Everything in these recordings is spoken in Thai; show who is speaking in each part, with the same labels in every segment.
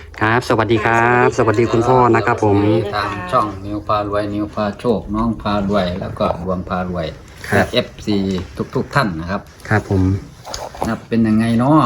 Speaker 1: ครับสวัสดีครับสวัสดีคุณพ่อนะครับผม
Speaker 2: ทางช่องนิวพารวยนิวพาโชคน้องพารวยแล้วก็รวมพารวยและ FC ทุกท่านนะครับ
Speaker 1: ครับผม
Speaker 2: นับเป็นยังไงเนาะ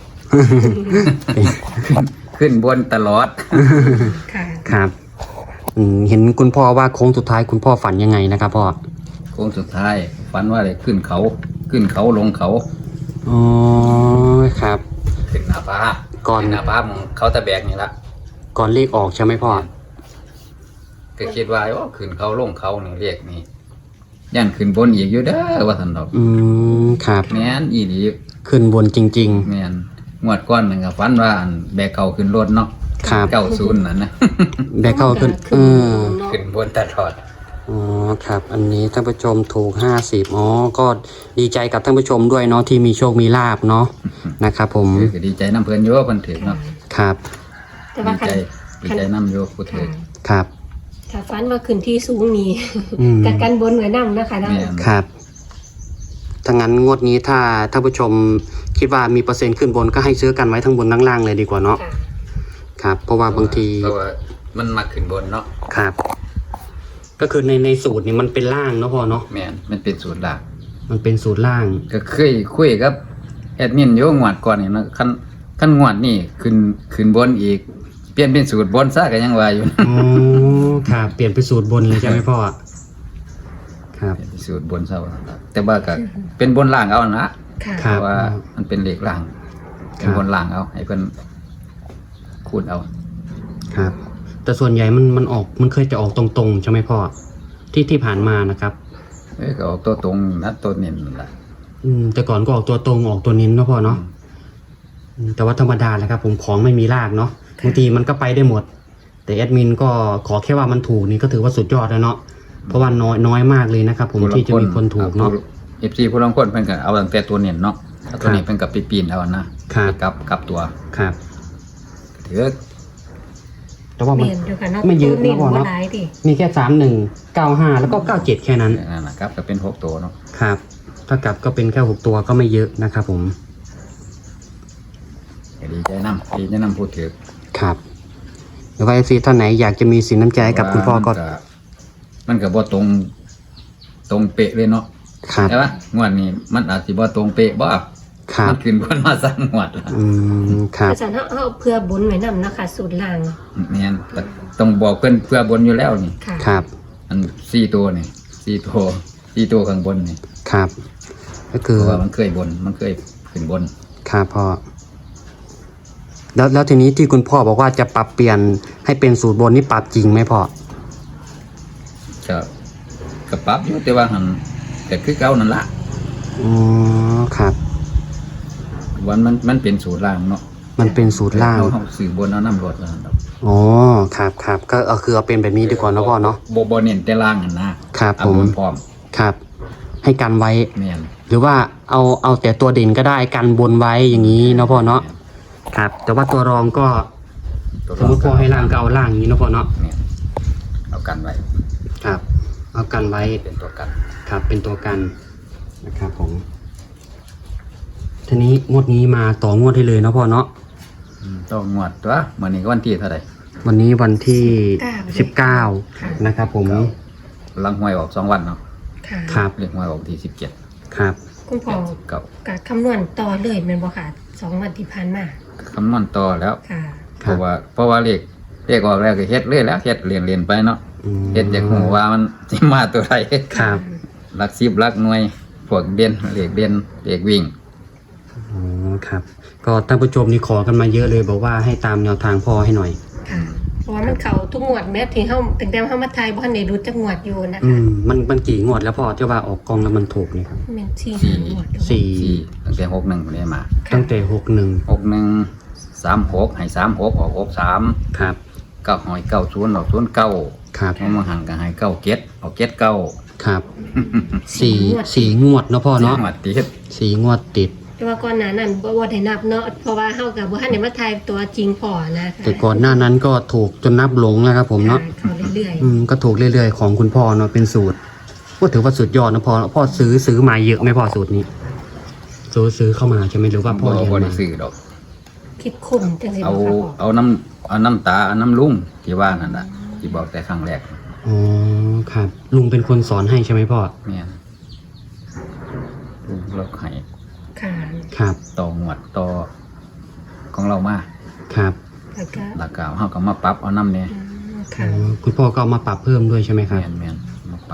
Speaker 2: ขึ้นบนตลอด
Speaker 3: ค่ะ
Speaker 1: ครับเห็นคุณพ่อว่าโค้งสุดท้ายคุณพ่อฝันยังไงนะครับพ่อ
Speaker 2: โค้งสุดท้ายฝันว่าอะไรขึ้นเขาลงเขา
Speaker 1: อ๋อครับ
Speaker 2: ขึ้นหน้าผา
Speaker 1: ก่อน
Speaker 2: ขึ้นหน้าผาของเขาตะแบกนี่ละ
Speaker 1: ก่อนเลขออกใช่ไหมพ่อ
Speaker 2: ก็คิดว่าโอ้ขึ้นเขาลงเขานี่เรียกนี่ย่านขึ้นบนอีกอยู่เด้อว่าท่านดอก
Speaker 1: ครับ
Speaker 2: แม่นอีหลี
Speaker 1: ขึ้นบนจริง
Speaker 2: แม่นงวดก้อนหนึ่งก็ฝันว่าอันแบกเขาขึ้นรถเนาะ
Speaker 1: ครับ
Speaker 2: 90นั่นนะ
Speaker 1: ๆแบกเข้าขึ้น
Speaker 2: ขึ้นบนตลอด
Speaker 1: อ๋อครับอันนี้ท่านผู้ชมถูก50อ๋อก็ดีใจกับท่านผู้ชมด้วยเนาะที่มีโชคมีลาภเนาะนะครับผม
Speaker 2: ก็ดีใจน้ำเพิ่นโยเพิ่นถึงเนาะ
Speaker 1: ครับ
Speaker 3: แต่ว่า
Speaker 2: ดีใจน้ำโยผู้ถึง
Speaker 1: ครับ
Speaker 3: ถ้าฟันว่าขึ้นที่สูงนี้
Speaker 1: อืม
Speaker 3: กับกันบนเหมือนน้ำนะคะ
Speaker 2: แม่น
Speaker 1: ครับถ้างั้นงวดนี้ถ้าท่านผู้ชมคิดว่ามีเปอร์เซ็นต์ขึ้นบนก็ให้ซื้อกันไว้ทั้งบนทั้งล่างเลยดีกว่าเนาะ
Speaker 3: ค่ะ
Speaker 1: ครับ เพราะว่าบางที
Speaker 2: เพราะว่ามันมาขึ้นบนเนาะ
Speaker 1: ครับ ก็คือในสูตรนี่มันเป็นล่างเนาะพ่อเนาะ
Speaker 2: แม่นมันเป็นสูตรหลัก
Speaker 1: มันเป็นสูตรล่าง
Speaker 2: ก็เคยคุยกับแอดมินโยงวดก่อนนี่เนาะคันงวดนี่ขึ้นบนอีกเปลี่ยนเป็นสูตรบนซะก็ยังว่าอยู่
Speaker 1: อ๋อครับเปลี่ยนเป็นสูตรบนเลยใช่ไหมพ่อครับ
Speaker 2: เปลี่ยนเป็นสูตรบนซะว่าแต่ว่าก็เป็นบนล่างเอานะ
Speaker 3: ค่ะ
Speaker 1: ครั
Speaker 2: เพ
Speaker 1: บ
Speaker 2: ราะว่ามันเป็นเลขล่าง
Speaker 1: ครับ
Speaker 2: เป็นบนล่างเอาให้เพิ่นคูณเอา
Speaker 1: ครับ แต่ส่วนใหญ่มันออกมันเคยจะออกตรงๆใช่ไหมพ่อที่ผ่านมานะครับ
Speaker 2: ก็เอาตัวตรงนะตัวเน้นนั่นล่ะ
Speaker 1: แต่ก่อนก็ออกตัวตรงออกตัวเน้นเนาะพ่อเนาะแต่ว่าธรรมดาแหละครับ ผมของไม่มีรากเนาะบางทีมันก็ไปได้หมด แต่แอดมินก็ขอแค่ว่ามันถูกนี่ก็ถือว่าสุดยอดแล้วเนาะเพราะว่าน้อยมากเลยนะครับ ผมที่จะมีคนถูกเนาะ
Speaker 2: FC ผู้ลางคนเพิ่นก็เอาตั้งแต่ตัวเน้นเนาะเอาตัวนี้เพิ่นก็ไปปีนเอานะครับ ไปกลับตัว
Speaker 1: ครับ
Speaker 2: ถือ
Speaker 1: แต่ว่ามัน
Speaker 3: เรียนอยู่ค่ะเนาะ
Speaker 1: ไม่เยอะ
Speaker 3: เน้น
Speaker 1: นะพ่อ
Speaker 3: ว่า
Speaker 1: เนาะ
Speaker 3: หลายดิ
Speaker 1: มีแค่3195แล้วก็97แค่นั้น
Speaker 2: นั่นนะครับก็เป็น6ตัวเนาะ
Speaker 1: ครับถ้ากลับก็เป็นแค่6ตัวก็ไม่เยอะนะครับผม
Speaker 2: ก็ดีใจนำพูดถือ
Speaker 1: ครับหรือว่า FC ท่านไหนอยากจะมีสินน้ำใจให้กับคุณพ่อก็
Speaker 2: มันก็บ่ตรงเป๊ะเลยเนาะ
Speaker 1: ครับ
Speaker 2: ใช่ปะงวดนี้มันอาจสิบ่ตรงเป๊ะบ่
Speaker 1: ครับ
Speaker 2: มันขึ้นบนมาสั่งงวดละ
Speaker 1: ครับ
Speaker 3: อาจารย์เอาเพื่อบนไว้น้ำนะคะสูตรล่าง
Speaker 2: แม่นก็ต้องบอกเพิ่นเพื่อบนอยู่แล้วนี่
Speaker 3: ค่ะ
Speaker 1: ครับ
Speaker 2: อัน4ตัวนี่4ตัวข้างบนนี่
Speaker 1: ครับ ก็
Speaker 2: เพ
Speaker 1: คือ
Speaker 2: ราะว่ามันเคยขึ้นบน
Speaker 1: ครับพ่อแล้วทีนี้ที่คุณพ่อบอกว่าจะปรับเปลี่ยนให้เป็นสูตรบนนี่ปรับจริงไหมพ่อ
Speaker 2: ก็ปรับอยู่แต่ว่าหันก็คือเก่านั่นละ
Speaker 1: อ๋อครับ
Speaker 2: วันมันเป็นสูตรล่างเนาะ
Speaker 1: มันเป็นสูตรล่าง
Speaker 2: เฮาสื่อบนเอาน้ำรดแล้วนั่นดอก
Speaker 1: อ๋อครับครับก็คือเอาเป็นแบบนี้ดีกว่าเนาะพ่อเนาะ
Speaker 2: บ่เน้นแต่ล่างนั่นนะครับ เอา
Speaker 1: ผม
Speaker 2: บนพร้อม
Speaker 1: ครับ ให้กันไว้
Speaker 2: แม่น
Speaker 1: หรือว่าเอาแต่ตัวเด่นก็ได้กันบนไว้อย่างนี้เนาะพ่อเนาะครับ แต่ว่าตัวรองก็
Speaker 2: ตัว
Speaker 1: สมมติพ่อให้ล่างก็เอาล่างอย่างนี้เนาะพ่อเนาะ
Speaker 2: แม่นเอากันไว้
Speaker 1: ครับ เอากันไว้
Speaker 2: เป็นตัวกัน
Speaker 1: ครับเป็นตัวกันนะครับผมทีนี้งวดนี้มาต่องวดให้เลยเนาะพ่อเนาะ
Speaker 2: ต้องงวดตัวมื้อนี้ก็วันที่เท่าไหร่
Speaker 1: วันนี้วันที่
Speaker 3: ค่ะ
Speaker 1: 19นะครับผม
Speaker 2: หลังหวยออก2วันเนาะ
Speaker 3: ค่ะ
Speaker 1: ครับ
Speaker 2: เรียกหวยออกที่17
Speaker 1: ครับ
Speaker 3: คุณพ่อ
Speaker 2: เก่า
Speaker 3: กับคำนวณต่อเลยแมันบ่ค่ะ2 วันที่ผ่านมา
Speaker 2: คำนวณต่อแล้ว
Speaker 3: ค่ะ
Speaker 2: เพราะว่าเลขออกแล้วก็เฮ็ดเลยแล้วเฮ็ดเรียนไปเนาะ เฮ็ดจากหูว่ามันสิมาตัวใด
Speaker 1: ครับ
Speaker 2: หลัก10หลักหน่วยพวกเด่นเลขเด่นเลขวิ่ง
Speaker 1: อ๋อครับก็ท่านผู้ชมนี่ขอกันมาเยอะเลยบอกว่าให้ตามแนวทางพ่อให้หน่อย
Speaker 3: ค่ะ เพราะว่ามันเข้าทุกงวดแม้ที่เฮาตั้งแต่เฮามาทายบ่ทันได้รู้จักงวดอยู่นะคะ
Speaker 1: มันกี่งวดแล้วพ่อที่ว่าออกกองแล้วมันถูกนี่ครับ
Speaker 3: แม่น4 งวดอยู่
Speaker 1: สี่
Speaker 2: ตั้งแต่61บ่ได้มา
Speaker 1: ตั้งแต่
Speaker 2: 61 36ให้36ออก63
Speaker 1: ครับ
Speaker 2: 9หอย90ออก09
Speaker 1: ครับ
Speaker 2: มาหันก็ให้97ออก79
Speaker 1: ครับสี่งวดเนาะพ่อเนาะ
Speaker 2: จังหวัดติด
Speaker 1: สี่งวดติด
Speaker 3: แต่ว่าก่อนหน้านั้นบ่ได้นับเนาะเพราะว่าเฮากับบ่ทันได้มาทายตัวจริงพอนะคะ
Speaker 1: แต่ก่อนหน้านั้นก็ถูกจนนับหลงแล้วครับผมเนาะ
Speaker 3: เข้าเรื่อย
Speaker 1: ก็ถูกเรื่อยๆของคุณพ่อเนาะเป็นสูตรก็ถือว่าสุดยอดนะพ่อซื้อมาเยอะไหมพ่อสูตรนี้ซื้อเข้ามาใช่ไหมหรือว่าพ่อเรียน
Speaker 2: บ่
Speaker 1: มา
Speaker 2: ได้ซื้อดอก
Speaker 3: ๆคิดคุ้มจังซี่
Speaker 2: เอา
Speaker 3: บ่ค่ะพ่อ
Speaker 2: เอาเอาน้ำตาเอาน้ำลุงที่ว่านั่นน่ะที่บอกแต่ครั้งแรก
Speaker 1: อ๋อครับลุงเป็นคนสอนให้ใช่ไหมพ่อ
Speaker 2: แม่นลุงเราให้
Speaker 3: ค่ะ
Speaker 1: ครับ
Speaker 2: ต่อหมวดต่อของเรามา
Speaker 1: ครับ
Speaker 3: แล้วก็
Speaker 2: หลักกาเฮาก็มาปรับเอาน้ำเนี่ย
Speaker 3: อืม
Speaker 1: อ๋
Speaker 3: ค่ะ
Speaker 1: อคุณพ่อก็เอามาปรับเพิ่มด้วยใช่ไหมครับ
Speaker 2: แม่นมาปรับ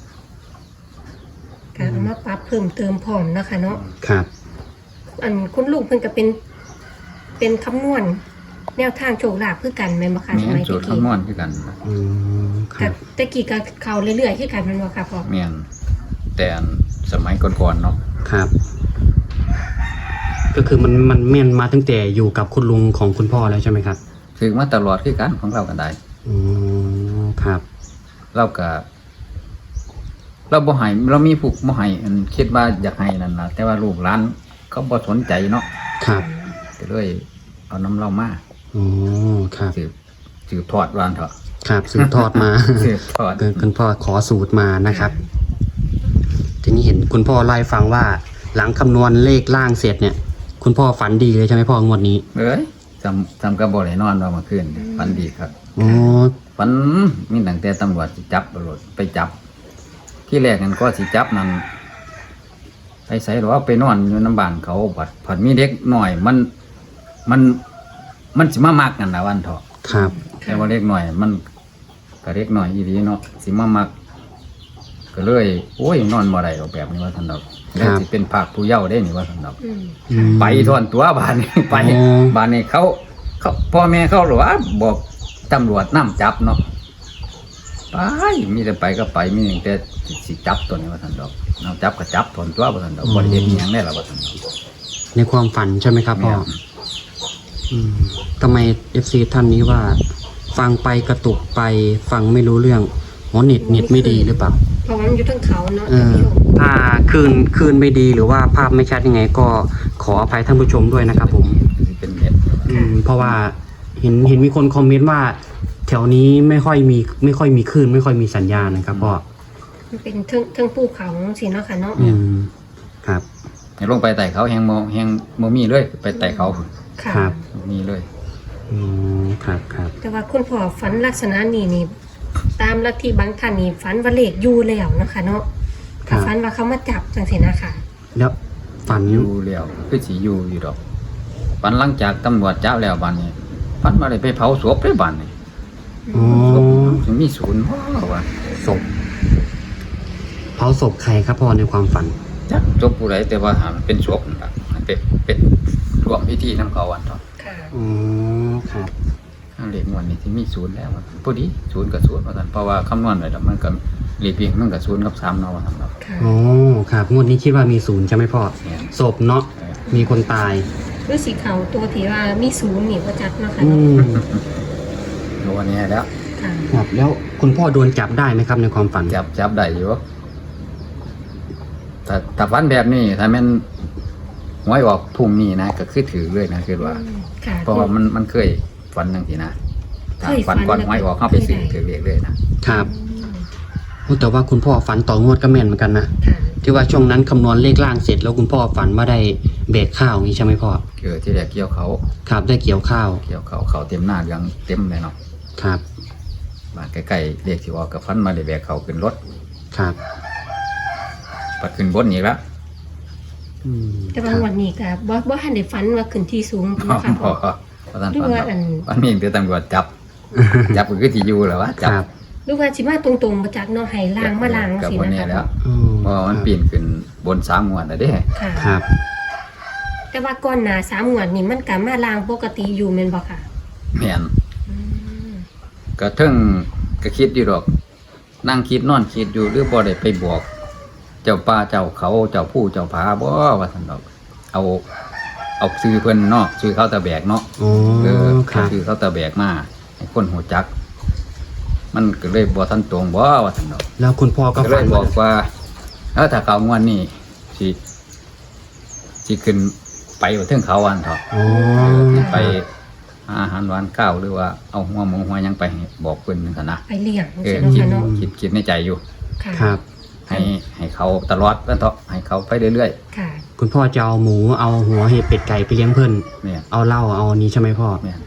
Speaker 3: การเอามาปรับเพิ่มเติมพร้อมนะคะเนาะ
Speaker 1: ครับ
Speaker 3: อันคุณลุงเพิ่นก็เป็นคำนวณแนวทางโชคลาภคือกันแม่นบ่คะส
Speaker 2: แม่น
Speaker 3: มัย
Speaker 2: สู
Speaker 3: ตะ
Speaker 2: ตร
Speaker 3: กี้
Speaker 2: คำนวณคือกัน
Speaker 1: อืมค
Speaker 3: กั
Speaker 1: รั
Speaker 3: บบ ตะกี้ก็เข้าเรื่อยๆคือกันแม่นบ่คะพ่อ
Speaker 2: แม่นแต่อันสมัยก่อนๆเนาะ
Speaker 1: ครับ ก็คือมันแม่นมาตั้งแต่อยู่กับคุณลุงของคุณพ่อแล้วใช่ไหมครับ
Speaker 2: ถือมาตลอดคือกันของเรากันได้
Speaker 1: อ๋อครับ
Speaker 2: เราก็เราบ่ให้เรามีผู้บ่ให้อันคิดว่าอยากให้นั่นล่ะแต่ว่าลูกหลานเขาบ่สนใจเนาะ
Speaker 1: ครับ
Speaker 2: ก็เลยเอาน้ำเรามา
Speaker 1: อ๋อครับ
Speaker 2: สืบทอดวานเถอะ
Speaker 1: ครับสืบทอดมา
Speaker 2: สืบทอด
Speaker 1: คุณพ่อขอสูตรมานะครับ ทีนี้เห็นคุณพ่อไล่าให้ฟังว่า หลังคำนวณเลขล่างเสร็จเนี่ย คุณพ่อฝันดีเลยใช่ไหมพ่องวดนี้
Speaker 2: เอ้ยจำกับบ่ได้นอนว่าเมื่อคืนฝันดีครับ
Speaker 1: อ๋อ
Speaker 2: ฝันมีตั้งแต่ตำรวจสิจับตำรวจไปจับ ที่แรกนั้นก็สิจับนั้นไปใส่หรือว่าไปนอนอยู่น้ำบ้านเขาผัดมีเด็กหน่อยมันสิมามักกันนะวันเถอะ
Speaker 1: ครับ
Speaker 2: แต่ว่าเล็กหน่อยมันก็เล็กหน่อยอีดีเนาะสิมามัก ก็เลยโอ้ยนอนบ่ได้หรอกแบบนี้ว่าท่านดอกแล้วสิเป็นภาคผู้เยาว์ได้นี่ว่าท่านดอก
Speaker 3: อืม
Speaker 1: อืม
Speaker 2: ไปทอนตัวบ้านนี้ ไป
Speaker 1: อ๋อ
Speaker 2: บ้านนี้เขาพ่อแม่เขาหรือว่าบอกตำรวจนํจับเนาะไปมีแต่ไปก็ไปมีแต่สิจับตัวนี้ว่าท่านดอกนํจับก็จับทอนตัวว่าท่านดอกบ่ได้เฮ็ดอิหยังได้ล่ะว่าท่านดอก
Speaker 1: ในความฝันใช่ไหมครับพ่อ
Speaker 2: แม่น
Speaker 1: อืมทำไม FC ท่านนี้ว่า ฟังไปกระตุกไปฟังไม่รู้เรื่องอ๋อเน็ตไม่ดีหรือเปล่า
Speaker 3: เพราะว่ามันอยู่ทั้งเขาเนาะ
Speaker 1: เออถ้าคลื่นไม่ดีหรือว่าภาพไม่ชัดยังไง ก็ขออภัยท่านผู้ชมด้วยนะครับผม
Speaker 2: สิเป็นเฮ็ด
Speaker 1: เพราะว่าเห็นมีคนคอมเมนต์ว่า แถวนี้ไม่ค่อยมีคลื่นไม่ค่อยมีสัญญาณนะครับพ่อ
Speaker 3: มันเป็นเทิงภูเขาสิเนาะค่ะเนาะ
Speaker 1: อืมครับ
Speaker 2: ให้ลงไปไต่เขาแฮงบ่มีเลยไปไต่เขา
Speaker 3: ค่ะ
Speaker 1: ครับ
Speaker 2: บ่มีเลย
Speaker 1: อืมครับครับ
Speaker 3: แต่ว่าคุณพ่อฝันลักษณะนี้นี่ ตามลัทธิบางท่านนี่ฝันว่าเลขอยู่แล้วเนาะค่ะเนาะ
Speaker 1: ครับ
Speaker 3: ฝันว่าเขามาจับจังซี่นะคะ
Speaker 1: แล้วฝัน
Speaker 2: อยู่แล้วคือสิอยู่ดอกปันหลังจากตำรวจจับแล้วบัดนี้ปันมาได้ไปเผาศพได้บัดนี้
Speaker 1: อ๋อ
Speaker 2: ถึงมีศูนย์ว่า
Speaker 1: ศพเผาศพใครครับพ่อในความฝัน
Speaker 2: จักศพผู้ใดแต่ว่าหามันเป็นศพนั่นล่ะมันเป็นร่วมพิธีนำเขาวันเถาะ
Speaker 3: ค่ะ
Speaker 1: อ๋อครับ
Speaker 2: ถ้าเลขงวดนี้ที่มีศูนย์แล้วว่าพอดีศูนย์กับศูนย์ว่าซั่นเพราะว่าคำนวณไว้แล้วมันก็เลขเพียงมันก็ศูนย์กับ3เนาะว่าซั่นเนาะ
Speaker 3: ค่ะ
Speaker 1: อ๋อครับงวดนี้คิดว่ามีศูนย์ใช่ไหมพ่อ
Speaker 2: เนี่ย
Speaker 1: ศพเนาะมีคนตาย
Speaker 3: คือสีเขาตัวที่ว่ามีศูนย์นี่บ่จัดเนาะค่ะ
Speaker 1: อื
Speaker 3: เนาะ
Speaker 1: ม
Speaker 2: โดนนี้แล้ว
Speaker 3: ค่ะ
Speaker 1: ครับแล้วคุณพ่อโดนจับได้ไหมครับในความฝัน
Speaker 2: จับได้อยู่แต่ฝันแบบนี้ถ้าแม่นหวยออกพรุ่งนี้นะก็คือถือเลยนะคือว่า
Speaker 3: ค่ะ
Speaker 2: เพราะว่ามันเคยฝันจังซี่นะ
Speaker 3: เคยฝั
Speaker 2: ฝั
Speaker 3: น
Speaker 2: นก่อน
Speaker 3: แล้ว
Speaker 2: หวยออกเข้าไปซื้อ
Speaker 3: เคยได้
Speaker 2: ถือเลขเลยนะครับ
Speaker 1: โอ้แต่ว่าคุณพ่อฝันต่องวดก็แม่นเหมือนกันนะ
Speaker 3: ค่ะ
Speaker 1: ที่ว่าช่วงนั้นคำนวณเลขล่างเสร็จแล้วคุณพ่อฝันว่าได้เบรกข้าวอย่างนี้ใช่ไหมพ่อ
Speaker 2: ที่แรกเกี่ยวเขา
Speaker 1: ครับได้เกี่ยวข้าว
Speaker 2: เขาเต็มหน้ายังเต็มเลยเนาะ
Speaker 1: ครับ
Speaker 2: บ้านใกล้ๆเรียกที่ว่ากับฟันมาได้แบกเขาขึ้นรถ
Speaker 1: ครับ
Speaker 2: ปัดขึ้นบนอีกแล้ว
Speaker 1: อืม
Speaker 3: แต่ว่าวันนี้ก็บ่ทันได้ฝันว่าขึ้นที่สูง
Speaker 2: พอ
Speaker 3: เนาะค่ะ
Speaker 2: พ
Speaker 3: พ่
Speaker 2: อ
Speaker 3: อ
Speaker 2: พอท่าน
Speaker 3: หรือ
Speaker 2: ฟัน
Speaker 3: ว่าอัน
Speaker 2: วันนี้เดี๋ยวตำรวจจับ จับก็คือที่อยู่แหล้ววะ
Speaker 1: ค
Speaker 2: จับ
Speaker 1: รับ
Speaker 3: หรือว่าสิมาตรงๆมาจากเนาะให้ล้างมาล้าง
Speaker 2: กับ
Speaker 3: สิ
Speaker 2: คน
Speaker 3: นะ
Speaker 2: นี้
Speaker 3: คะ
Speaker 2: แล้ว
Speaker 1: อื
Speaker 2: เพราะว่ามันปีนขึ้นบน3งวดแล้วเด้
Speaker 3: ค่ะ
Speaker 1: ครับ
Speaker 3: แต่ว่าก่อนหน้า3งวดนี่มันก็มาล้างปกติอยู่แม่นบ่ค่ะ
Speaker 2: แม่น
Speaker 3: อืม
Speaker 2: ก็เทิงก็คิดอยู่ดอก นั่งคิดนอนคิดอยู่หรือบ่ได้ไปบอก เจ้าป่าเจ้าเขาเจ้าผู้เจ้าผาบ่ว่าซั่นดอก เอาซื้อเพิ่นเนาะซื้อเขาตะแบกเนาะ
Speaker 1: อ๋อครับ
Speaker 2: ซื้อเขาตะแบกมาให้คนหูจัก มันก็เลยบ่ทันตรงบ่ว่าซั่นดอก
Speaker 1: แล้วคุณพ่อก็
Speaker 2: ก็เล
Speaker 1: ฝั
Speaker 2: ย
Speaker 1: น
Speaker 2: บอกว่าถ้าเขางวดนี้สิขึ้นไปว่าถึงเขาวันเถาะ
Speaker 1: อ๋อ
Speaker 2: ไปหาอาหารหวานข้าวหรือว่าเอาหัวหมูหัวหยังไปให้บอกเพิ่นนั่นกันนะ
Speaker 3: ไปเลี้ยงสิเนาะ
Speaker 2: คิด
Speaker 3: ค่ะเนาะ
Speaker 2: คิดในใจอยู่
Speaker 3: ค่ะ
Speaker 1: ครับ
Speaker 2: ให้เขาตลอดแล้วเถาะให้เขาไปเรื่อย
Speaker 3: ค่ะ
Speaker 1: คุณพ่อจะเอาหมูเอาหัวเห็ดเป็ดไก่ไปเลี้ยงเพื่อน
Speaker 2: ๆเนี่ย
Speaker 1: เอาเหล้าเอาอันนี้ใช่ไหมพ่อ
Speaker 2: เนี่ย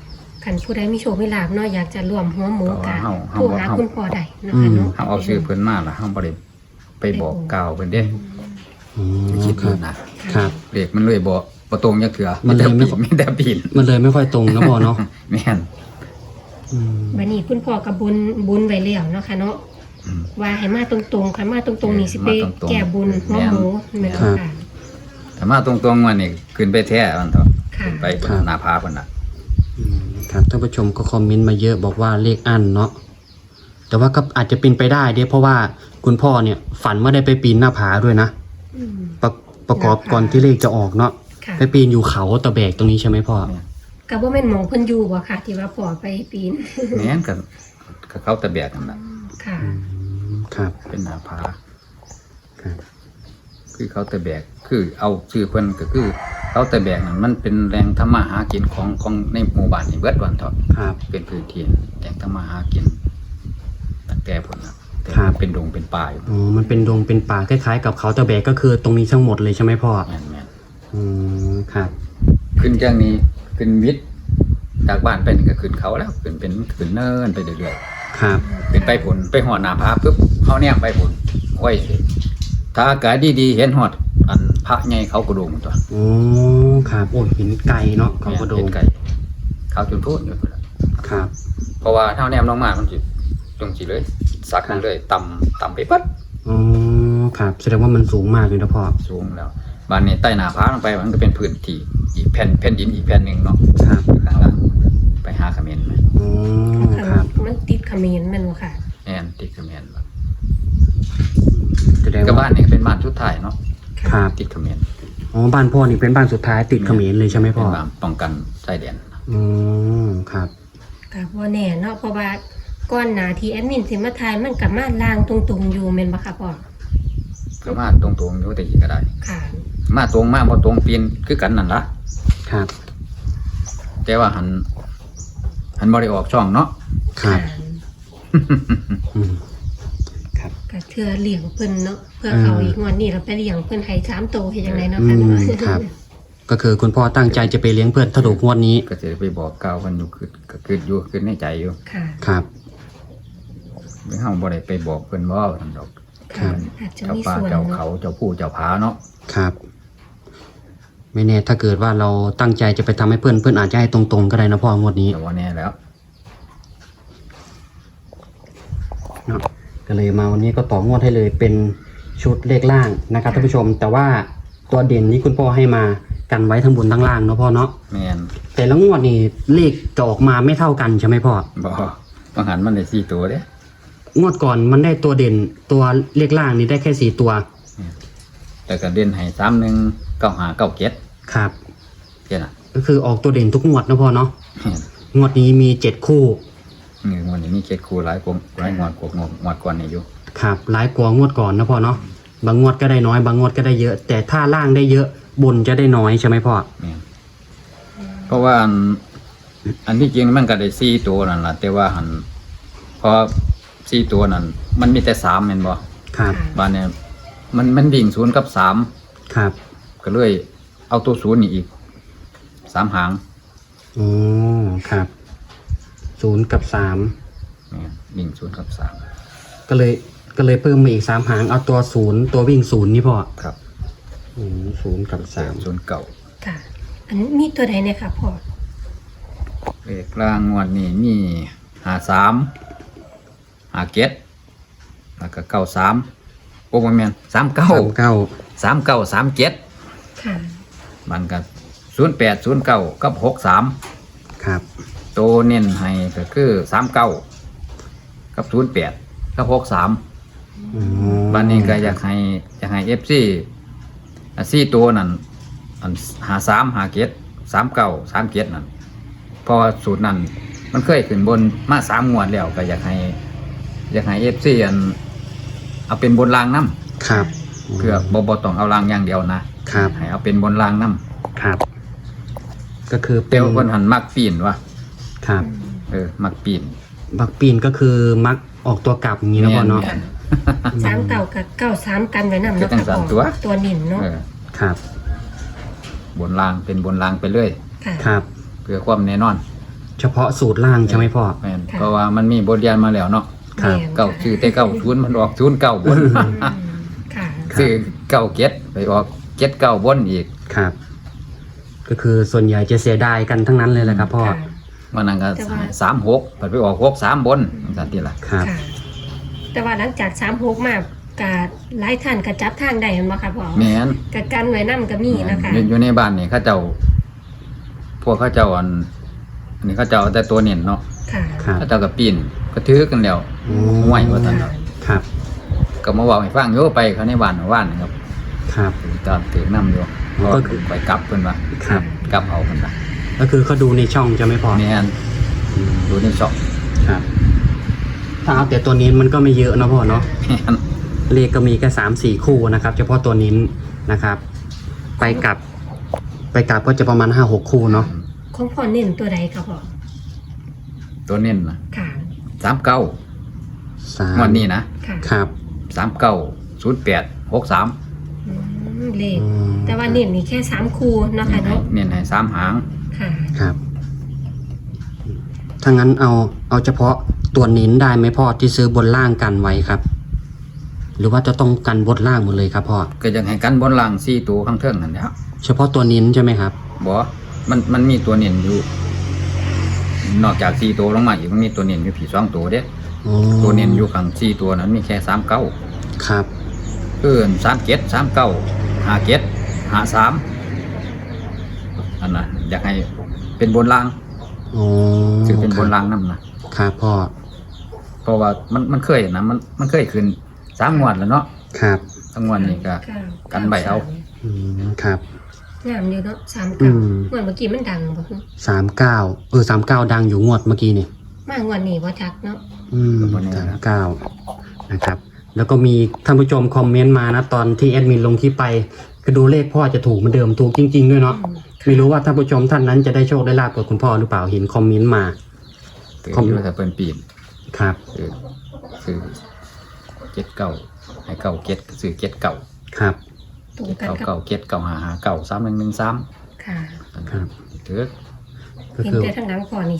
Speaker 3: คันผู้ใดมีโชคมีลาภเนาะอยากจะร่วมหัวหมูกะ
Speaker 2: เฮา
Speaker 3: โทรหาคุณพ่อได้นะคะเนาะ
Speaker 2: เฮาเอาชื่อเพิ่นมาล่ะเฮาบ่ได้ไปบอกกล่าวเพิ่นเด้
Speaker 1: อืม
Speaker 2: คิด
Speaker 1: ครั
Speaker 2: ดู
Speaker 1: บ
Speaker 2: นะครับ เลขมันเลยบ่ตรงจักเทื่อ
Speaker 1: มันเลยไม่
Speaker 2: มีแต่ปีน
Speaker 1: มันเลยไม่ค่อยตรงนะพ่อเนาะ
Speaker 2: แม่น
Speaker 1: อืม
Speaker 3: บัดนี้คุณพ่อกับบุญไว้แล้วเนาะค่ะเนาะ
Speaker 2: อืม
Speaker 3: ว่าให้มาตรงๆค่ะมาตรงๆนี่สิไป
Speaker 2: มาตรงๆ
Speaker 3: แก้บุญหัวหมูแม่นบ่ค่ะ
Speaker 2: ถ้ามาตรงๆว่านี่ขึ้นไปแท้มันเถอะ
Speaker 3: ค่ะ
Speaker 2: ขึ้นไปบนหน้าผาเพิ่นน่ะ
Speaker 1: อืมครับท่านผู้ชมก็คอมเมนต์มาเยอะบอกว่าเลขอั้นเนาะแต่ว่าก็อาจจะเป็นไปได้เด้เพราะว่าคุณพ่อเนี่ยฝันว่าได้ไปปีนหน้าผาด้วยนะ
Speaker 3: อืม
Speaker 1: ประกอบก่อนที่เลขจะออกเนาะ
Speaker 3: ค่ะ
Speaker 1: ไปปีนอยู่เขาตะแบกตรงนี้ใช่ไหมพ่อ
Speaker 3: ก็บ่แม่นหมองเพิ่นอยู่บ่ค่ะ ที่ว่าพ่อไปปีน
Speaker 2: แม่นก็เขาตะแบกนั่นน่ะ
Speaker 3: ค่ะ
Speaker 1: อืมครับ
Speaker 2: เป็นหน้าผา
Speaker 1: ครับ
Speaker 2: คือเขาตะแบกคือเอาชื่อเพิ่นก็คือเขาตะแบกนั่นมันเป็นแหล่งทำมาหากินของในหมู่บ้านนี่เบิดวันเถอะ
Speaker 1: ครับ
Speaker 2: เป็นพื้นที่แหล่งทำมาหากินตั้งแต่พุ่นน่ะแต่
Speaker 1: ครับ
Speaker 2: เป็นดงเป็นป่าอยู่
Speaker 1: อ๋อมันเป็นดงเป็นป่าคล้ายๆ กับเขาตะแบกก็คือตรงนี้ทั้งหมดเลยใช่ไหมพ่อ
Speaker 2: แม่น
Speaker 1: อืมครับ
Speaker 2: ๆขึ้นจากนี้ขึ้นวิทย์จากบ้านไปนี่ก็ขึ้นเขาแล้วขึ้นเนินไปเรื่อยๆ
Speaker 1: ครับ
Speaker 2: ขึ้นไปผลไปหอดหน้าผาปุ๊บเขาเนี่ยไปผลโอ้ยถ้าอากาศดีๆเห็นหอดอันพระใหญ่เขากระโดงตัว
Speaker 1: โอ้ครับโอ้เห็นไก่เนาะเขากระโด
Speaker 2: เห็
Speaker 1: ง
Speaker 2: นไก่เขาจนพูดอยู่พุ่นล่ะ
Speaker 1: ครับ
Speaker 2: เพราะว่าเท่าแนมลงมามันจิตรงจีเลยสักเลยต่ำไปปั๊บ
Speaker 1: อ๋อครับแสดงว่ามันสูงมากเลยนะพ่อ
Speaker 2: สูงแล้วบ้านนี้ใต้หน้าผาลงไปมันก็เป็นพื้นที่อีกแผ่นดินอีกแผ่นหนึ่งเนาะ
Speaker 1: ครับ
Speaker 2: อยู่ข้างล่างไปหาเขมรไหม
Speaker 1: อ๋อครับ
Speaker 3: มันติดเขมรแม่นบ่ค่ะ
Speaker 2: แอนติดเขมรบ่
Speaker 1: แสดง
Speaker 2: ก็
Speaker 1: ว่า
Speaker 2: บ้านนี้เป็นบ้านชุดไทายเนาะ
Speaker 1: ครับ
Speaker 2: ติดเขมร
Speaker 1: อ๋อบ้านพ่อนี่เป็นบ้านสุดท้ายติดเขมรเลยใช่ไหมพ่อ
Speaker 2: เป็นบ้านป้องกันชายแดน
Speaker 1: อ๋อครับ
Speaker 3: ก็บ่แน่เนาะเพราะว่าก่อนหน้าที่แอดมินสิมาทายมันก็มาลางตรงๆอยู่แม่นบ่ค่ะพ่อ
Speaker 2: ก็มาตรงๆอยู่แต่อีกก็ได้
Speaker 3: ค่ะ
Speaker 2: มาตรงมาบ่ตรงเปลี่ยนคือกันนั่นละ
Speaker 1: ครับ
Speaker 2: แต่ว่าหันบ่ได้ออกช่องเนาะ
Speaker 1: ครับอืมครับ
Speaker 3: ก็เทื่อเลี้ยงเพิ่นเนาะเพื่อเขาอีกงวดนี้เราไปเลี้ยงเพิ่นให้3โตเฮ็ดจังไดเนาะ
Speaker 1: อื
Speaker 3: ค่ะ
Speaker 1: ม
Speaker 3: เนาะ
Speaker 1: ครับ ก็คือคุณพ่อตั้งใจจะไปเลี้ยงเพื่อนถ้าถูกงวดนี้
Speaker 2: ก็จะไปบอกกล่าวเพิ่นอยู่คือในใจอยู่
Speaker 3: ค่ะ
Speaker 1: ครับ
Speaker 2: เฮาบ่ได้ไปบอกเพิ่นบ่ซั่นดอก
Speaker 1: ครับ
Speaker 3: อาจจะ
Speaker 2: เจ้า
Speaker 3: มี
Speaker 2: ป่า
Speaker 3: ส่วน
Speaker 2: เจ้า
Speaker 3: เนาะ
Speaker 2: เขาเจ้าผู้เจ้าผาเนาะ
Speaker 1: ครับ ไม่แน่ถ้าเกิดว่าเราตั้งใจจะไปทำให้เพื่อนเพื่อนอาจจะให้ตรงๆก็ได้นะพ่องวดนี้
Speaker 2: แต่ว่าแน่แล้ว
Speaker 1: เนาะก็เลยมาวันนี้ก็ต่องวดให้เลยเป็นชุดเลขล่างนะครับท่านผู้ชม แต่ว่าตัวเด่นนี้คุณพ่อให้มากันไว้ทั้งบนทั้งล่างเนาะพ่อเนาะ
Speaker 2: แม่น
Speaker 1: แต่ละงวดนี่เลขจะออกมาไม่เท่ากันใช่ไหมพ่อ
Speaker 2: บ่บางหันมันได้4ตัวเด้
Speaker 1: งวดก่อนมันได้ตัวเด่นตัวเลขล่างนี่ได้แค่4ตัว
Speaker 2: แต่ก็เด่นให้31 95 97
Speaker 1: ครับ
Speaker 2: แค่นั้น
Speaker 1: ก็คือออกตัวเด่นทุกงวดนะพ่อเนาะ
Speaker 2: แม่น
Speaker 1: งวดนี้มี7คู่
Speaker 2: นี่งวดนี้มี7คู่หลายงวดกว่างวดก่อนนี่อยู่
Speaker 1: ครับหลายกว่างวดก่อนนะพ่อเนาะบางงวดก็ได้น้อยบางงวดก็ได้เยอะ แต่ถ้าล่างได้เยอะบนจะได้น้อยใช่ไหมพ่อ
Speaker 2: แม่นเพราะว่าอันที่จริงมันก็ได้4ตัวนั่นล่ะแต่ว่าหันพอ4ตัวนั่นมันมีแต่3แม่นบ่
Speaker 1: ครับ
Speaker 2: บ้านเนี่ยมันวิ่ง0กับ3
Speaker 1: ครับ
Speaker 2: ก็เลยเอาตัว0นี่อีก3หาง
Speaker 1: อ๋อครับ0กับ3
Speaker 2: เนี่ยวิ่ง0กับ3
Speaker 1: ก็เลยเพิ่มมาอีก3หางเอาตัว0ตัววิ่ง0นี่พ่อ
Speaker 2: ครับ
Speaker 1: 0กับ3
Speaker 2: 0เก่า
Speaker 3: ค่ะ อันนี้มีตัวใดเนี่ยค่ะพ่อ
Speaker 2: เลขล่างงวดนี้มี53 57แล้วก็93โอ้บ่แม่น39 39 37
Speaker 3: ค่ะ
Speaker 2: มันก็08 09กับ63
Speaker 1: ครับ
Speaker 2: โตเน้นให้ก็คือ39กับ08กับ63
Speaker 1: อ๋อ
Speaker 2: บ้านนี้ก็อยากให้ FC 4ตัวนั่นอัน53 57 39 37นั่นเพราะว่าสูตรนั้นมันเคยขึ้นบนมา3งวดแล้วก็อยากให้ FC อันเอาเป็นบนรางนำ
Speaker 1: ครับ
Speaker 2: เพื่อบ่ต้องเอารางอย่างเดียวนะครับ ให้เอาเป็นบนรางนำ
Speaker 1: ครับ ก็คือ
Speaker 2: แต่ว่าเพิ่นหันมักปีนว่ะ
Speaker 1: ครับ
Speaker 2: มักปีน
Speaker 1: บักปีนก็คือมักออกตัวกลับอย่างนี้นะพ่อเนาะ
Speaker 2: แม่น
Speaker 3: 3เก่ากับ93กันไว้นำ
Speaker 2: ก็
Speaker 3: เนาะ
Speaker 2: จั
Speaker 3: ค่ะ
Speaker 2: ง
Speaker 3: พ่
Speaker 2: สั่
Speaker 3: อน
Speaker 2: ตัว
Speaker 3: ตัวนิ่นเนาะ
Speaker 1: ครับ
Speaker 2: บนรางเป็นบนรางไปเรื่อย
Speaker 3: ค่ะ
Speaker 1: ครับ
Speaker 2: เพื่อความแน่นอน
Speaker 1: เฉพาะสูตรล่างใช่ไหมพ่อ
Speaker 2: แม่นเพราะว่ามันมีบทเรียนมาแล้วเนาะ
Speaker 1: ครับ
Speaker 3: แม่น
Speaker 2: เก้าชื่อแต่เก้าศูนย์มันออกศูนย์เก้าบน
Speaker 3: ค่ะ
Speaker 2: ซื้อเก้าเก็ดไปออกเก็ดเก้าบนอีก
Speaker 1: ครับ ก็คือส่วนใหญ่จะเสียดายกันทั้งนั้นเลยแหละครับพ่อ
Speaker 3: ค่ะ
Speaker 2: มันนั่นก็
Speaker 3: แต่ว่า
Speaker 2: 36ไปออก63บนจังซี่ล่ะ
Speaker 1: ครับ
Speaker 3: ค่ะ แต่ว่าหลังจาก36มากกะหลายท่านกะจับทางได้แม่นบ่คะพ่อ
Speaker 2: แม่น
Speaker 3: กะกันไว้นำก็มีนะคะ
Speaker 2: อยู่ในบ้านนี่เขาเจ้า พวกเขาเจ้าอันนี้เขาเจ้าเอาแต่ตัวเน้นเนาะ
Speaker 3: ค่ะ
Speaker 1: ครับ
Speaker 2: เขาเจ้าก็ปีนก็ถือกันแล้ว
Speaker 1: อืม
Speaker 2: ห่วยว่าซั่นเนาะ
Speaker 1: ครับ
Speaker 2: ก็มาเว้าให้ฟังอยู่ไปเขาในบ้านว่านครับ
Speaker 1: ครับ
Speaker 2: ตอนถือนํอยู่
Speaker 1: ก็คือ
Speaker 2: ไปกลับเพิ่นว่า
Speaker 1: ครับ
Speaker 2: กลับเอาเพิ่นว่า
Speaker 1: ก็คือเขาดูในช่องจะไม่พอ
Speaker 2: แม่นดูในช็อป
Speaker 1: ครับ ถ้าเอาแต่ตัวนี้มันก็ไม่เยอะเนาะพ่อเนาะ
Speaker 2: แม่น
Speaker 1: เลขก็มีแค่3-4 คู่นะครับ เฉพาะตัวนิ้นนะครับ ไปกลับก็จะประมาณ5-6 คู่เนาะ
Speaker 3: ของพ่อเน้นตัวใดคะพ่อ
Speaker 2: ตัวเน้นนะ
Speaker 3: ค่ะ
Speaker 2: 39
Speaker 1: สาม
Speaker 2: งวันนี้นะ
Speaker 3: ค่ะ
Speaker 1: ครับ
Speaker 2: 39 08 63
Speaker 3: เลข
Speaker 1: อืม
Speaker 3: แต่ว่าเน้นนี่แค่3คู่เนาะค่ะเนาะ
Speaker 2: เน้นให้3หาง
Speaker 3: ค่ะ
Speaker 1: ครับถ้างั้นเอาเฉพาะตัวนิ้นได้ไหมพ่อที่ซื้อบนล่างกันไว้ครับ หรือว่าจะต้องกันบนล่างหมดเลยครับพ่อ
Speaker 2: ก็ยังให้กันบนล่าง4ตัวข้างเทิงนั่นแหละ
Speaker 1: เฉพาะตัวนิ้นใช่ไหมครับ
Speaker 2: บ่มันมีตัวเน้นอยู่ นอกจาก4ตัวลงมาอีกมันมีตัวเน้นอยู่ผี2ตัวเด้
Speaker 1: อ๋อ
Speaker 2: ตัวเน้นอยู่ข้าง4ตัวนั้นมีแค่39
Speaker 1: ครับ
Speaker 2: คือ37 39 57 53อันน่ะอยากให้เป็นบนล่าง
Speaker 1: อ๋อ
Speaker 2: คือเป็นบนล่างนำนะครับ
Speaker 1: พ่อ
Speaker 2: เพราะว่ามันเคยนะมันเคยขึ้น3งวดแล้วเนาะ
Speaker 1: ครับ
Speaker 2: ทั้งงวดนี้ก็ กันใบเอา
Speaker 1: อืมครับ
Speaker 3: งามอยู่เนาะ
Speaker 1: อืม
Speaker 3: 39เหมือนเมื่อกี้มันดังบ่คือ
Speaker 1: 39 ดังอยู่งวดเมื่อกี้นี่
Speaker 3: มางวดนี้บ่จักเนาะ
Speaker 1: 39นะครับ แล้วก็มีท่านผู้ชมคอมเมนต์มานะตอนที่แอดมินลงคลิปไปก็ดูเลขพ่อจะถูกเหมือนเดิมถูกจริง ๆ ด้วยเนาะ
Speaker 3: อืม
Speaker 1: ไม่รู้ว่าท่านผู้ชมท่านนั้นจะได้โชคได้ลาบกับคุณพ่อหรือเปล่าเห็นคอมเมนต์มา
Speaker 2: ถืออยู่แต่เพิ่นปีน
Speaker 1: ครับ
Speaker 2: ซื้อเก็ดเก่าให้เก่าเก็ดซื้อเก็ดเก่า
Speaker 1: ครับ
Speaker 3: ตรงกัน
Speaker 2: เก่า
Speaker 3: กับ
Speaker 2: เก่าเก็ดเก่าหาเก่า3113
Speaker 3: ค่ะ
Speaker 1: ครับ
Speaker 2: ถือ
Speaker 1: ก็
Speaker 3: เห็น
Speaker 1: คือ
Speaker 3: แต่ทางหลังก่อนนี่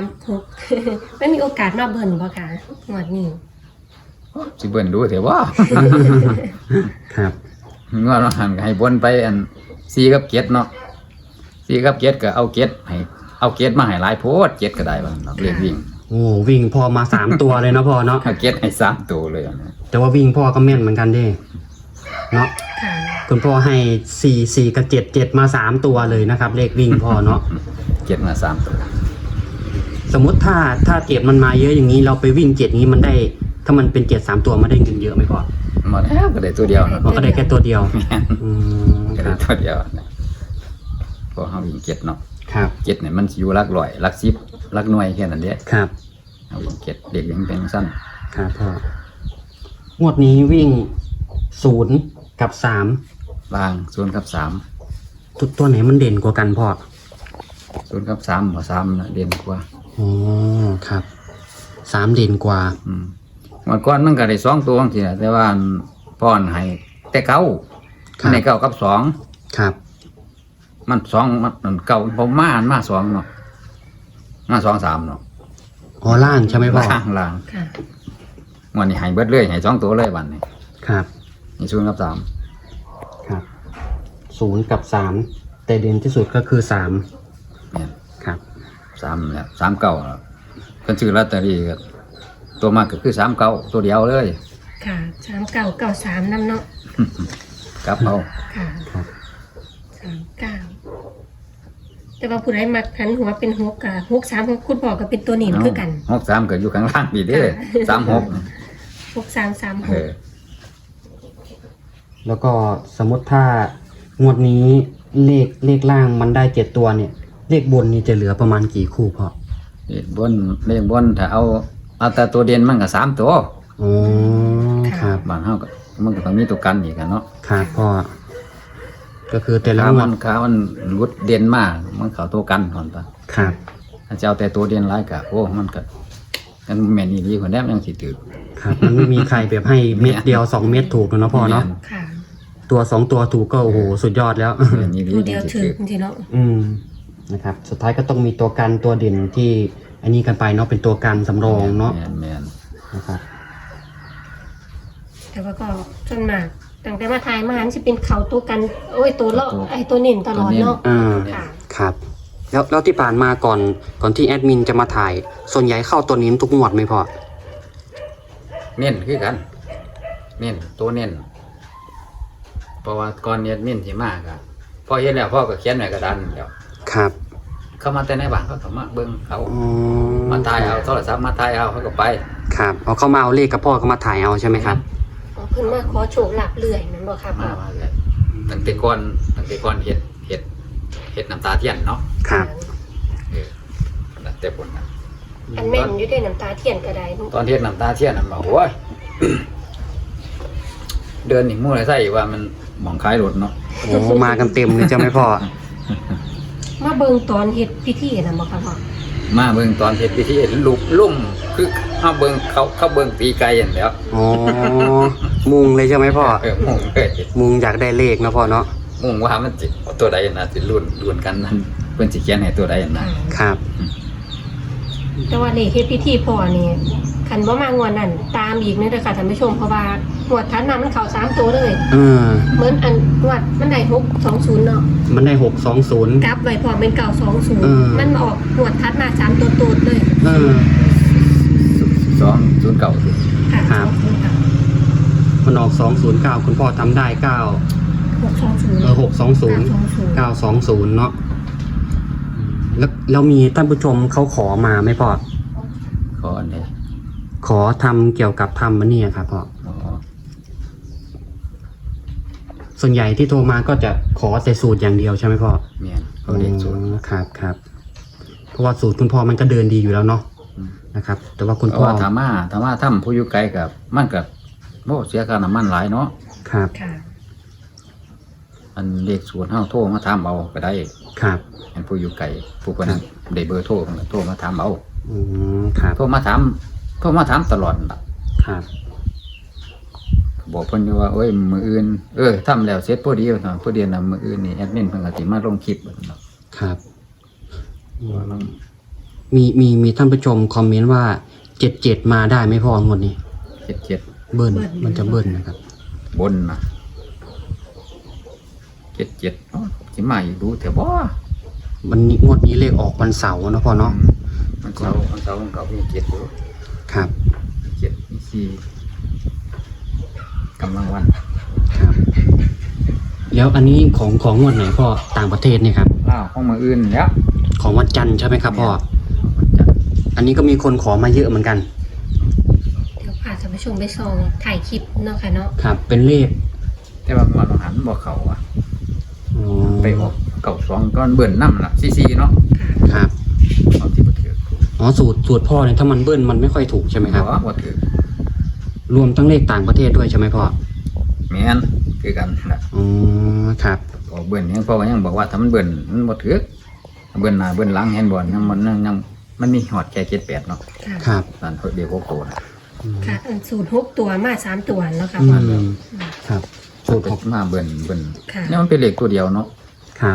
Speaker 3: 336 ไม่มีโอกาสมาเบิ่นบ่ค่ะงวดนี้
Speaker 2: สิเบิ่นดูเถอะว่า
Speaker 1: ครับ
Speaker 2: งวดว่าหันก็ให้บนไปอัน4กับเก็ดเนาะ4กับเก็ดก็เอาเก็ดให้เอาเก็ดมาให้หลายโพดเก็ดก็ได้ว่าเนาะเลขวิ่ง
Speaker 1: โอ้วิ่งพ่อมา3 ตัวเลยเนาะพ่อเนาะ
Speaker 2: เอาเก็ดให้3ตัวเลยอันนี้
Speaker 1: แต่ว่าวิ่งพ่อก็แม่นเหมือนกันเด้เนาะ
Speaker 3: ค่ะ
Speaker 1: คุณพ่อให้4 กับ 7 มา3 ตัวเลยนะครับ เลขวิ่งพ่อเนาะ
Speaker 2: เก็ดมา3ตัว
Speaker 1: สมมติถ้าเจ็ดมันมาเยอะอย่างนี้เราไปวิ่ง7นี้มันได้ ถ้ามันเป็น7 3 ตัวมันได้เงินเยอะไหมพ่อ
Speaker 2: หมดแล้วก็ได้ตัวเดียวเนาะ
Speaker 1: มันก็ได้แค่ตัวเดียว
Speaker 2: แม่น
Speaker 1: อืม
Speaker 2: ก็
Speaker 1: ค
Speaker 2: ได้
Speaker 1: รับ
Speaker 2: ตัวเดียวนะพอเฮาวิ่งเก็ดเนาะ
Speaker 1: ครับ
Speaker 2: เก็ดเนี่ยมันสิอยู่หลักร้อยหลัก10หลักหน่วยแค่นั้นเด้
Speaker 1: ครับ
Speaker 2: เอาวิ่งเก็ดเด็กยังเป็นสั้น
Speaker 1: ครับพ่องวดนี้วิ่ง0 กับ 3
Speaker 2: บาง0กับ
Speaker 1: ตัวไหนมันเด่นกว่ากันพ่อ
Speaker 2: 3 0กับ3บ่3น่ะเด่นกว่า
Speaker 1: อ๋อครับ3เด่นกว่า
Speaker 2: เมื่อก่อนมันก็ได้2ตัวจังซี่นะแต่ว่าอันป้อนให้แต่เก้า
Speaker 1: ครับ
Speaker 2: ในเก้ากับ2
Speaker 1: ครับ
Speaker 2: มัน2มันเก้าผมมา2เนาะมา2 3เนาะ
Speaker 1: อ๋อล่างใช่ไหมพ่อ
Speaker 2: ล่าง
Speaker 3: ค่ะ
Speaker 2: วันนี้ให้เบิดเลยให้2ตัวเลยบัดนี้
Speaker 1: ครับ
Speaker 2: นี่0กับ
Speaker 1: ครับ0 กับ 3 แต่เด่นที่สุดก็คือ
Speaker 2: 3เนี่ย
Speaker 1: 3ครับ
Speaker 2: 3แล้ว3เก้าแล้วเพิ่นซื้อลอตเตอรี่ก็ตัวมากก็คือ3เก้าตัวเดียวเลย
Speaker 3: ค่ะ3993นำเนาะ
Speaker 2: กลับเอา
Speaker 3: ค่ะ
Speaker 1: ครับ
Speaker 3: 39แต่ว่าผู้ใดมักหันหัวเป็น6กับ63คุณพ่อก็เป็นตัวหนีมคือกัน
Speaker 2: 63ก็อยู่ข้างล่างนี่เด้อ
Speaker 3: ค่ะ
Speaker 2: 36
Speaker 3: 6336
Speaker 1: แล้วก็สมมติถ้างวดนี้เลขล่างมันได้7 ตัวเนี่ย เลขบนนี่จะเหลือประมาณกี่คู่พ่อ
Speaker 2: เลขบนถ้าเอาแต่ตัวเด่นมันก็3ตัว
Speaker 1: อ๋อครับ
Speaker 2: บ้านเฮาก็มันก็ต้องมีตัวกันอีกอะเนาะ
Speaker 1: ครับพ่อก็คือแต่ละ
Speaker 2: ถ้าง
Speaker 1: ว
Speaker 2: มั
Speaker 1: ด
Speaker 2: นขามันรุดเด่นมากมันเข้าตัวกันก่อนปะ
Speaker 1: ครับ
Speaker 2: ถ้าจะเอาแต่ตัวเด่นหลายก็โอ้มันก็กันแม่นอีหลีกว่าแนมยังสิถือ
Speaker 1: ครับมันไม่มีใครแบบให้เม็ดเดียว2 เม็ดถูกเนาะพ่อเนาะ
Speaker 3: ค่ะ
Speaker 1: ตัว 2 ตัวถูกก็โอ้โหสุดยอดแล้ว
Speaker 2: แม่นอีหลี
Speaker 3: ตัวเดียว
Speaker 2: จังสิ
Speaker 3: ถือ
Speaker 2: ถือ
Speaker 3: จริงๆเนาะ
Speaker 1: อืมนะครับสุดท้ายก็ต้องมีตัวกันตัวเด่นที่อันนี้กันไปเนาะเป็นตัวกันสำรองเนาะ
Speaker 2: แม่น
Speaker 1: นะครับ
Speaker 3: แต่ว่าก็ส่วนมากตั้งแต่มาทายมาหันสิเป็นเขาตัวกันโอ้ยตัวเลาะไอ้ตัวเน่นตลอดเนาะ
Speaker 1: อ่า
Speaker 3: ค่ะ
Speaker 1: ครับแล้วที่ผ่านมาก่อนที่แอดมินจะมาถ่ายส่วนใหญ่เข้าตัวนี้ทุกงวดไหมพ่อ
Speaker 2: เน้นคือกันเน้นตัวเน้นเพราะว่าก่อนเน้นมินสิมากอะพอเห็นแล้วพ่อก็เขียนไว้กระดานแล้ว
Speaker 1: ครับ
Speaker 2: เข้ามาแต่ในบ้านเขาก็มาเบิ่งเขา
Speaker 1: อ๋อ
Speaker 2: มาถ่ายเอาโทรศัพท์มาถ่ายเอาเขาก็ไป
Speaker 1: ครับเอาเข้ามาเอาเลขกับพ่อก็มาถ่ายเอาใช่ไหมครับ
Speaker 3: อ๋อเพิ่นมาขอโชคลาภเรื่อยแม่นบ่ครับ
Speaker 2: มาเลยตั้งแต่ก่อนเฮ็ดน้ำตาเทียนเนาะ
Speaker 1: ครับ
Speaker 2: ตั้งแต่ปุ่นนะ
Speaker 3: อันแม่นอยู่ด้วยน้ำตาเทียนก็ได้
Speaker 2: ตอนเฮ็ดน้ำตาเทียนน่ะบอกโอ้ย เดินนี่มู่ไรใส่ว่ามันหมองคล้ายรถเนาะ
Speaker 1: โอ้มากันเต็มเลยใช่ไหมพ่อ
Speaker 3: มาเบิ่งตอนเฮ็ดพิธีน่ะบ่ครับพ่อ
Speaker 2: มาเบิ่งตอนเฮ็ดพิธีลุกลุ่มคือเฮาเบิ่งเขาเบิ่งตีไก่อย่างแล้ว
Speaker 1: อ๋อมุงเลยใช่ไหมพ่อ
Speaker 2: มุ่งเลย
Speaker 1: มุงอยากได้เลขนะพ่อเนาะ
Speaker 2: มุ่งว่ามันสิเอาตัวใดน่ะสิลุ้นกันนั่นเพิ่นสิเขียนให้ตัวใดนะครับ
Speaker 3: แต่ว่าเลขเฮ็ดพิธีพ่อนี่คันบ่มางวดนั้นตามอีกเด้อค่ะท่านผู้ชมเพราะว่างวดทันมามันเข้า3ตัวเลย
Speaker 1: เออ
Speaker 3: เหมือนอันงวดมันได้620เนาะ
Speaker 1: มันได้620
Speaker 3: กลับไว้พร้อมเป็น
Speaker 1: เออ
Speaker 3: 920มันออกงวดทัดมา3ตัวตูดเลย
Speaker 1: เออ
Speaker 2: 209สิ
Speaker 3: ค่ะ
Speaker 1: ครับ มันออก209คุณพ่อทำได้9
Speaker 3: 620
Speaker 1: 620 เนาะแล้วมีท่านผู้ชมเขาขอมาไหมพ่อ
Speaker 2: ขออันใด
Speaker 1: ขอทำเกี่ยวกับทำมันเนี่ยครับพ่อ
Speaker 2: อ๋อ
Speaker 1: ส่วนใหญ่ที่โทรมาก็จะขอแต่สูตรอย่างเดียวใช่ไหมพ่อ
Speaker 2: แม่นเขาเรียกสูตร
Speaker 1: อ๋อครับเพราะว่าสูตรคุณพ่อมันก็เดินดีอยู่แล้วเนาะ
Speaker 2: อืม
Speaker 1: นะครับ แต่ว่าคุณ
Speaker 2: เพ
Speaker 1: พ่อ
Speaker 2: ราะว่าถามว่าถ้ำผู้อยู่ไกลกับมันกับโอ้เสียค่าน้ำมันหลายเนาะ
Speaker 1: ครับ
Speaker 3: ค่ะ
Speaker 2: อันเลขสูตรเฮาโทรมาถามเอาก็ได้
Speaker 1: ครับ
Speaker 2: อันผู้อยู่ไกลผู้คนนั้นได้เบอร์โทรก็โทรมาถามเอา
Speaker 1: ครับ
Speaker 2: โทรมาถามตลอดล่ะ
Speaker 1: ครับ
Speaker 2: บอกเพิ่นอยู่ว่าเอ้ยมื้ออื่นทำแล้วเสร็จพอดีว่าซั่นพอดีน่ะมื้ออื่นนี่แอดมินเพิ่นก็สิมาลงคลิปว่าซั่นเนาะ
Speaker 1: ครับมีท่านผู้ชมคอมเมนต์ว่า77มาได้ไหมพ่องวดนี้
Speaker 2: 77
Speaker 1: เบิ้ลมันจะเบิ้ลนะครับ
Speaker 2: บนนะ77เนาะสิมาอีกดูแต่บ่
Speaker 1: วันนี้งวดนี้เลขออกวันเสาร์นะพ่อเนาะ
Speaker 2: มันเสาร์มันก็มี7อยู่
Speaker 1: ครับ
Speaker 2: 7มี4กำลังวัน
Speaker 1: ครับ แล้วอันนี้ของงวดไหนพ่อต่างประเทศเนี่ยครับ
Speaker 2: ลาวของมื้ออื่นแล้ว
Speaker 1: ของวันจันทร์ใช่ไหมครับพ่อ
Speaker 2: มันจะ
Speaker 1: อันนี้ก็มีคนขอมาเยอะเหมือนกัน
Speaker 3: เดี๋ยวพาท่านผู้ชมไปส่องถ่ายคลิปเนาะค่ะเนาะ
Speaker 1: ครับ เป็นเลข
Speaker 2: แต่ว่ามันหันบ่เข้าอ่ะ
Speaker 1: อ๋อ
Speaker 2: ไปออกเก่า2ก้อนเบิ่นนำล่ะซีเนาะ
Speaker 3: ค่ะ
Speaker 1: ครับ
Speaker 2: เอาที่บ่ถือ
Speaker 1: อ๋อสูตรพ่อเนี่ยถ้ามันเบิ้ลมันไม่ค่อยถูกใช่ไหมครับ
Speaker 2: บ่ถือ
Speaker 1: รวมทั้งเลขต่างประเทศด้วยใช่ไหมพ่อ
Speaker 2: แม่นคือกันน่ะ
Speaker 1: อ๋อครับ
Speaker 2: พอเบิ่นยังพ่อก็ยังบอกว่าถ้ามันเบิ่นมันบ่ถือเบิ่นหน้าเบิ่นหลังเห็นบ่ยังมันมีฮอดแค่78เนาะ
Speaker 3: ค่ะ
Speaker 1: ครับ
Speaker 2: นั่นเดียวโกนะ
Speaker 3: ค่ะอันสูตร6ตัวมา3ตัวเนาะค่ะ
Speaker 1: อื
Speaker 3: พ่อ
Speaker 1: มครับ สูตรของ
Speaker 2: มาเบิ่น
Speaker 3: ค่ะ
Speaker 2: เนี่ยมันเป็นเลขตัวเดียวเนาะ
Speaker 1: ครับ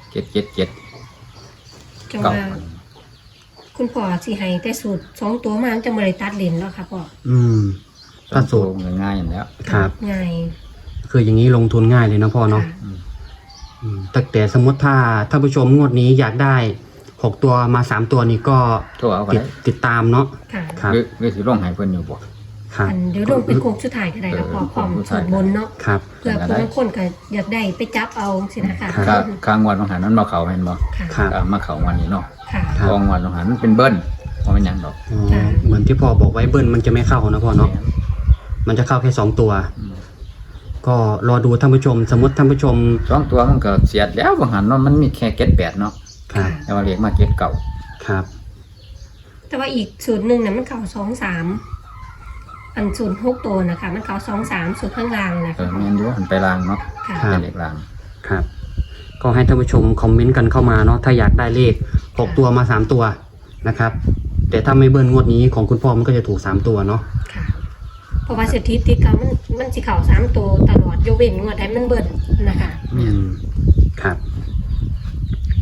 Speaker 2: 777
Speaker 3: จังว่าคุณพ่อสิให้แต่สูตร2ตัวมามันจะบ่ได้ตัดเลนเนาะค่ะพ่อ
Speaker 1: อืม ถ้าสูตร
Speaker 2: ง่ายๆอย่างแล้ว
Speaker 1: ครับ
Speaker 3: ง่าย
Speaker 1: คืออย่างนี้ลงทุนง่ายเลยนะพ่อเนาะ
Speaker 3: ค่ะ
Speaker 1: แต่สมมติถ้าท่านผู้ชมงวดนี้อยากได้6ตัวมา3ตัวนี้ก็
Speaker 2: โทรเอาก็ได้
Speaker 1: ติดตามเนาะ
Speaker 3: ค่ะ
Speaker 1: ครับ
Speaker 2: หรือสิลงให้เพิ่นอยู่บ่
Speaker 1: ครับ
Speaker 3: อันเดี๋ยวลงเป็นโค้งสุดท้ายก็ได้ค่ะพ่อพร้อมสูตรบนเนาะ
Speaker 1: ครับ
Speaker 3: เพื่อผู้บางคนก็อยากได้ไปจับเอาสินะคะ
Speaker 1: ครับ
Speaker 2: ข้างวันของหันมันบ่เข้าเห็นบ่
Speaker 3: ค่ะ
Speaker 1: ครับ
Speaker 2: มาเข้าวันนี้เนาะ
Speaker 3: ค่ะ
Speaker 1: ครับ
Speaker 2: กองวันของหันมันเป็นเบิ้ลบ่เป็นหยังดอก
Speaker 1: อ๋อเหมือนที่พ่อบอกไว้เบิ้ลมันจะไม่เข้านะพ่อเนาะ มันจะเข้าแค่2ตัว
Speaker 2: อืม
Speaker 1: ก็รอดูท่านผู้ชม สมมติท่านผู้ชม
Speaker 2: สองตัวมันก็เสียดแล้วบางหันเนาะมันมีแค่78เนาะ
Speaker 1: ครับ
Speaker 2: แต่ว่าเลขมา79
Speaker 1: ครับ
Speaker 3: แต่ว่าอีกสูตรหนึ่งน่ะมันเข่า2-3อันสูตร6ตัวนะคะมันเข่า2-3สูตรข้างล่างนะ
Speaker 2: แม่
Speaker 3: คะ
Speaker 2: นอยู่หันไปลางเนาะ
Speaker 3: ค่ะ
Speaker 1: ครับ
Speaker 2: เป็นเลขลาง
Speaker 1: ครับ ก็ให้ท่านผู้ชมคอมเมนต์กันเข้ามาเนาะ ถ้าอยากได้เลข6ตัวมา3ตัวนะครับ แต่ถ้าไม่เบิ้ลงวดนี้ของคุณพ่อมันก็จะถูก3ตัวเนาะ
Speaker 3: ค่ะเพราะว่าสถิติเขามันสิเข่า3ตัวตลอดยกเว้นงวดใดมันเบิดนะคะ
Speaker 1: อืมครับ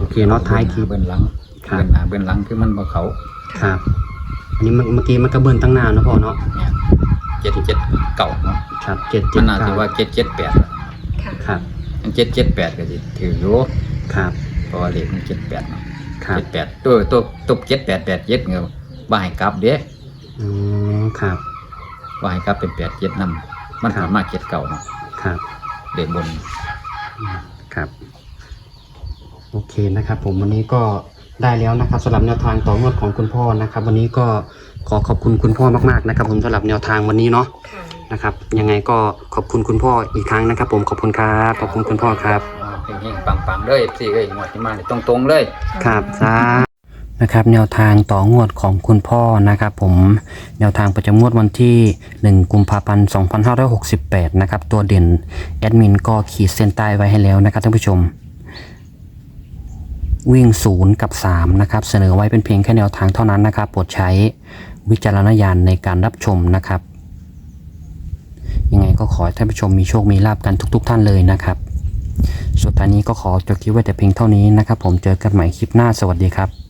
Speaker 1: เคเนาะท้ายคลิป
Speaker 2: เบิ้ลหลัง
Speaker 1: ครับ
Speaker 2: เบิ้ลหน้าเบิ้ลหลังคือมันบ่เขา
Speaker 1: ครับ อันนี้เมื่อกี้มันก็เบิ้ลตั้งนานนะพ่อเนาะ
Speaker 2: เนี่ย7 7เก่าเนาะ
Speaker 1: ครับเจ็ด
Speaker 2: มันน่าสิ
Speaker 1: เก้า
Speaker 2: ว่า7 7 8
Speaker 3: ค่ะ
Speaker 1: ครับ
Speaker 2: อัน7 7 8ก็สิถืออยู่
Speaker 1: ครับ
Speaker 2: เพราะว่าเลขมัน7 8เนาะ
Speaker 1: ครับ
Speaker 2: 7 8ตัว7 8 8 7เงี้ยบ่ให้กลับเด้
Speaker 1: อ๋อครับ
Speaker 2: บ่ให้กลับเป็น8 7นำมันสามารถ7เก่าเนาะ
Speaker 1: ครับ
Speaker 2: เลขบน
Speaker 1: ครับ โอเคนะครับ ผมวันนี้ก็ได้แล้วนะครับสำหรับแนวทางต่องวดของคุณพ่อนะครับ วันนี้ก็ขอขอบคุณคุณพ่อมากๆนะครับ ผมสำหรับแนวทางวันนี้เนาะ
Speaker 3: ค่ะ
Speaker 1: นะครับ ยังไงก็ขอบคุณคุณพ่ออีกครั้งนะครับ ผมขอบคุณครับขอบคุณคุณพ่อครับ
Speaker 2: เฮงๆปังๆเด้อ FC เอ้ยงวดที่มานี่ตรงๆเลย
Speaker 1: ครับนะครับแนวทางต่องวดของคุณพ่อนะครับผมแนวทางประจำงวดวันที่1กุมภาพันธ์2568นะครับตัวเด่นแอดมินก็ขีดเส้นใต้ไว้ให้แล้วนะครับท่านผู้ชมวิ่ง0กับ3นะครับเสนอไว้เป็นเพียงแค่แนวทางเท่านั้นนะครับโปรดใช้วิจารณญาณในการรับชมนะครับยังไงก็ขอให้ท่านผู้ชมมีโชคมีลาภกันทุกๆท่านเลยนะครับสุดท้ายนี้ก็ขอจบคลิปไว้แต่เพียงเท่านี้นะครับผมเจอกันใหม่คลิปหน้าสวัสดีครับ